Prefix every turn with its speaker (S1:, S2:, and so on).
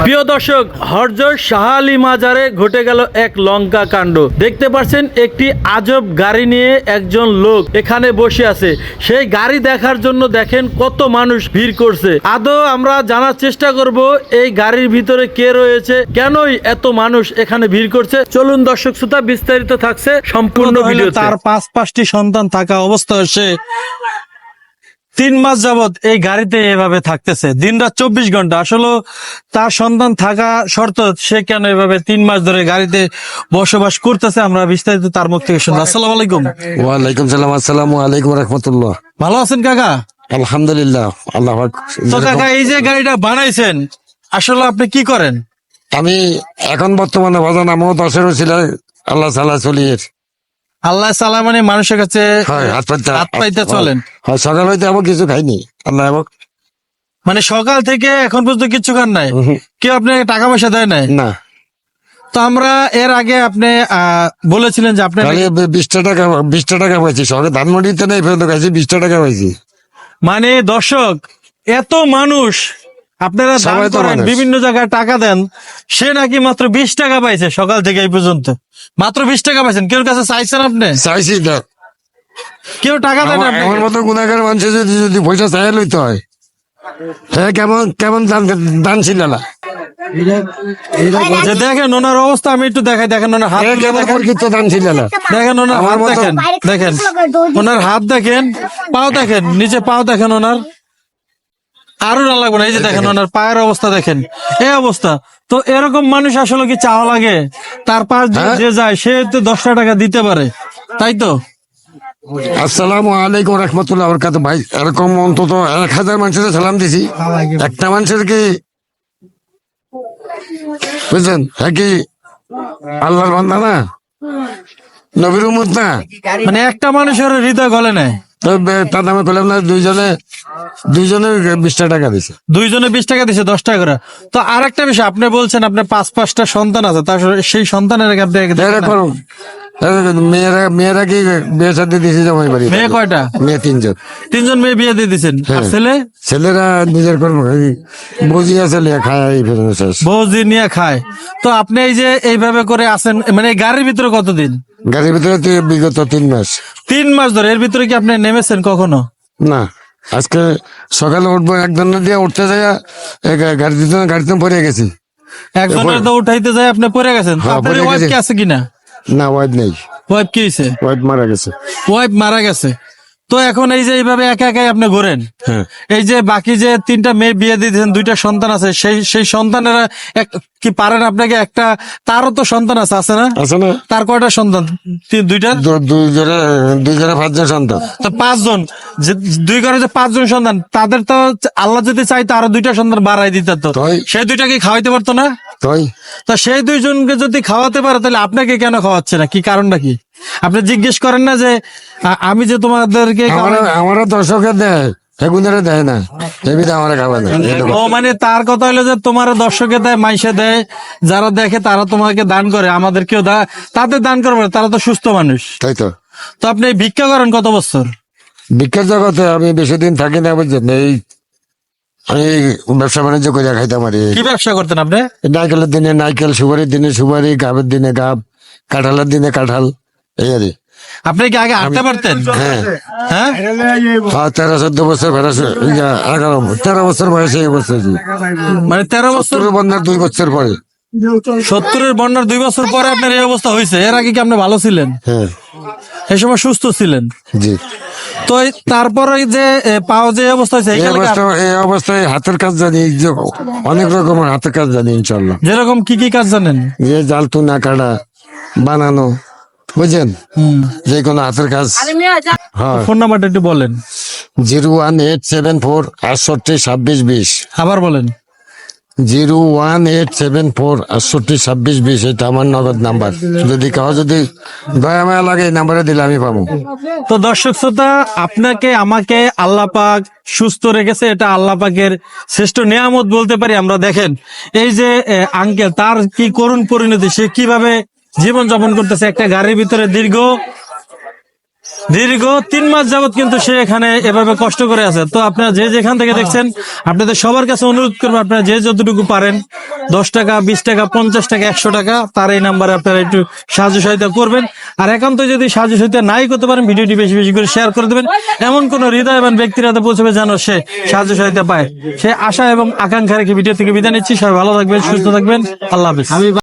S1: প্রিয় দর্শক, হরজত শাহ আলী মাজারে ঘটে গেল এক লঙ্কা কাণ্ড। দেখতে পাচ্ছেন একটি আজব গাড়ি নিয়ে একজন লোক এখানে বসে আছে। সেই গাড়ি দেখার জন্য দেখেন কত মানুষ ভিড় করছে। আদৌ আমরা জানার চেষ্টা করব এই গাড়ির ভিতরে কে রয়েছে, কেনই এত মানুষ এখানে ভিড় করছে। চলুন দর্শক শ্রোতা, বিস্তারিত থাকছে সম্পূর্ণ ভিডিও।
S2: তার 5টি সন্তান থাকা অবস্থায় সে 3 মাস যাবত এই গাড়িতে এভাবে থাকতেছে, দিনরাত 24 ঘন্টা। আসলে তার সন্তান থাকা শর্ত সে কেন এভাবে 3 মাস ধরে গাড়িতে বসবাস করতেছে, আমরা বিস্তারিত তার মুখ থেকে শুনবো। আসসালামু আলাইকুম।
S3: ওয়ালাইকুম সালাম। আসসালামু আলাইকুম রাহমাতুল্লাহ।
S2: ভালো আছেন কাকা?
S3: আলহামদুলিল্লাহ। আল্লাহ
S2: তো কাকা, এই যে গাড়িটা বানাইছেন আসলে আপনি কি করেন?
S3: আমি এখন বর্তমানে বাজান আমও 10-এর ছিল আল্লাহ সালা চলিয়ে
S2: আল্লাহ সালাম, মানে মানুষের কাছে
S3: হাত
S2: পাইতে চলেন।
S3: সকাল হইতে আমার কিছু খাইনি আল্লাহ এবং
S2: মানে সকাল থেকে এখন পর্যন্ত কিছু খান নাই? কেউ আপনাকে টাকা পয়সা দেয় নাই?
S3: না।
S2: তো আমরা এর আগে আপনি বলেছিলেন যে আপনি
S3: 20 টাকা পাইছি। সকালে ধানমন্ডিতে নেই ফেরত খাইছি, 20 টাকা পাইছি।
S2: মানে দর্শক, এত মানুষ আপনারা দান
S3: সবাই তো
S2: করেন,
S3: মানুষ।
S2: বিভিন্ন জায়গায় টাকা দেন, সে নাকি মাত্র 20 টাকা পাইছে সকাল থেকে এই পর্যন্ত। মাত্র 20 টাকা পাইছেন। কেউ কাছে চাইছেন আপনি?
S3: চাইছি না।
S2: কেউ টাকা দেন
S3: আমার
S2: আপনাকে?
S3: মতো গুণাগার মানুষ যদি পয়সা চাই লইতে হয়, হ্যাঁ কেমন কেমন দান ছিল না।
S2: যে দেখেন ওনার অবস্থা, আমি একটু দেখাই। দেখেন ওনার হাত,
S3: দান ছিল না।
S2: দেখেন ওনার হাত, দেখেন দেখেন ওনার হাত, দেখেন পাও, দেখেন নিচে পাও, দেখেন ওনার আরো না লাগবে না। এই যে দেখেন ওনার পায়ের অবস্থা, দেখেন এই অবস্থা। তো এরকম মানুষ আসলে কি চাওয়া লাগে? তার পাশ দিয়ে যে যায় সে তো 10 টাকা দিতে পারে, তাই তো?
S3: আসসালামু আলাইকুম রহমতুল্লাহ বরকাত। ভাই এরকম অন্তত 1000 মানুষের সালাম দিছি, একটা মানুষের কি বুঝছেন? হ্যাঁ কি আল্লাহর বান্দা না, নবীর উম্মত না?
S2: মানে একটা মানুষের হৃদয় গলে নেয়।
S3: তার নামে করলাম না, দুইজনে 20 টাকা দিছে।
S2: দুইজনে 20 টাকা দিছে, 10 টাকা করে। তো আর একটা বিষয়, আপনি বলছেন আপনার 5-5টা সন্তান আছে, তার সেই সন্তানের আগে আপনি
S3: এরকম মেয়েরা কি বিয়ে সাথে দিয়েছে জামাই বাড়ি?
S2: মেয়ে কয়টা?
S3: মেয়ে 3জন।
S2: 3জন মেয়ে বিয়ে দিয়ে দিচ্ছেন। আর ছেলে?
S3: ছেলেরা নিজের কর্ম বুঝি আছে খায় এই ফেরত শেষ।
S2: বৌদি নিয়ে খায়। তো আপনি এই যে এইভাবে করে আছেন, মানে গাড়ির ভিতরে কতদিন?
S3: গাড়ির ভিতরে বিগত 3 মাস।
S2: 3 মাস ধরে। এর ভিতরে কি আপনি নেমেছেন কখনো?
S3: না, আজকে সকালে উঠবো, একজনের দিয়ে উঠতে যায় গাড়িতে পড়ে গেছি।
S2: একজনের তো উঠাইতে যায় আপনি পড়ে গেছেন। তো আপনার ওয়াইফ কি আছে কিনা?
S3: না, ওয়াইফ নেই।
S2: ওয়াইফ কি হয়েছে?
S3: ওয়াইফ মারা গেছে।
S2: ওয়াইফ মারা গেছে। তো এখন এই যে এইভাবে একা একাই আপনি ঘোরেন, এই যে বাকি যে 3টা মেয়ে বিয়ে দিয়েছেন, 2টা সন্তান আছে, সেই সন্তানেরা কি পারেন আপনাকে একটা? তারও তো সন্তান আছে, আছে না?
S3: আছে না।
S2: তার কয়টা সন্তান? 2টা।
S3: দুইজনে 5জন সন্তান।
S2: তো 5জন, যে 2 ঘরে যে 5জন সন্তান, তাদের তো আল্লাহ যদি চাইতো আরো 2টা সন্তান বাড়াই দিত, তো সেই 2টা কি খাওয়াইতে পারতো না? তা সেই 2জনকে যদি খাওয়াতে পারে, তাহলে আপনাকে কেন খাওয়াচ্ছে না? কি কারণটা কি? আপনি জিজ্ঞেস করেন না যে আমি যে তোমাদেরকে?
S3: আমারও দর্শকে দেয়, এগুনারে দেয় না, আমার খাওয়া না।
S2: ও মানে তার কথা হলো যে তোমার দর্শকে দেয়, মাইসে দেয়, যারা দেখে তারা তোমাকে দান করে, আমাদের কেউ তাদের দান করবে না, তারা তো সুস্থ মানুষ,
S3: তাই তো।
S2: তো আপনি ভিক্ষা করেন কত বছর?
S3: ভিক্ষার জগতে আমি বেশি দিন থাকি না, বুঝছেন? আমি ব্যবসা বাণিজ্য করে খাইতে পারি।
S2: কি ব্যবসা করতেন আপনি?
S3: নাইকেলের দিনে নাইকেল, সুপারির দিনে সুপারি, গাবের দিনে গাব, কাঁঠালের দিনে কাঁঠাল, এই আর কি।
S2: আপনি কি আগে হাঁটতে পারতেন?
S3: হ্যাঁ,
S2: হ্যাঁ।
S3: 13-14 বছর 13 বছর বয়সে এই বছর,
S2: মানে 13 বছর
S3: বন্যার 2 বছর পরে।
S2: 70-এর বন্যার 2 বছর পরে আপনার এই অবস্থা হয়েছে। এর আগে কি আপনি ভালো ছিলেন?
S3: হ্যাঁ,
S2: এই সময় সুস্থ ছিলেন?
S3: জি।
S2: তো তারপরে যে পাও যে অবস্থা হয়েছে,
S3: এই অবস্থায় হাতের কাজ জানি, অনেক রকমের হাতের কাজ জানি ইনশাল্লাহ।
S2: যেরকম কি কি কাজ জানেন?
S3: যে জাল তুনা কাটা, বানানো, বুঝছেন, যে কোনো হাতের কাজ।
S2: ফোন নাম্বারটা একটু বলেন।
S3: 01874 68 26 20।
S2: আবার বলেন।
S3: 01874 68 26 20। এটা আমার নগদ নাম্বার। যদি যদি দয়া মায়া লাগে এই নাম্বারে দিলে আমি পাবো।
S2: তো দর্শক শ্রোতা, আপনাকে আমাকে আল্লাহ পাক সুস্থ রেখেছে, এটা আল্লাহ পাকের শ্রেষ্ঠ নিয়ামত বলতে পারি আমরা। দেখেন এই যে আঙ্কেল, তার কি করুণ পরিণতি, সে কিভাবে জীবন যাপন করতেছে একটা গাড়ির ভিতরে দীর্ঘ দীর্ঘ 3 মাস যাবত কিন্তু সে এখানে এভাবে কষ্ট করে আছে। তো আপনারা যে যেখান থেকে দেখছেন, আপনাদের সবার কাছে অনুরোধ করবো, আপনারা যে যতটুকু পারেন 10 টাকা, 20 টাকা, 50 টাকা, 100 টাকা, তার এই নাম্বারে আপনারা একটু সাহায্য সহায়তা করবেন। আর একান্ত যদি সাহায্য সহায়তা নাই করতে পারেন, ভিডিওটি বেশি বেশি করে শেয়ার করে দেবেন, এমন কোন হৃদয়বান ব্যক্তির হাতে পৌঁছবে যেন সে সাহায্য সহায়তা পায়। সে আশা এবং আকাঙ্ক্ষা রেখে ভিডিও থেকে বিদায় নিচ্ছি। সবাই ভালো থাকবেন, সুস্থ থাকবেন, আল্লাহ হাফেজ।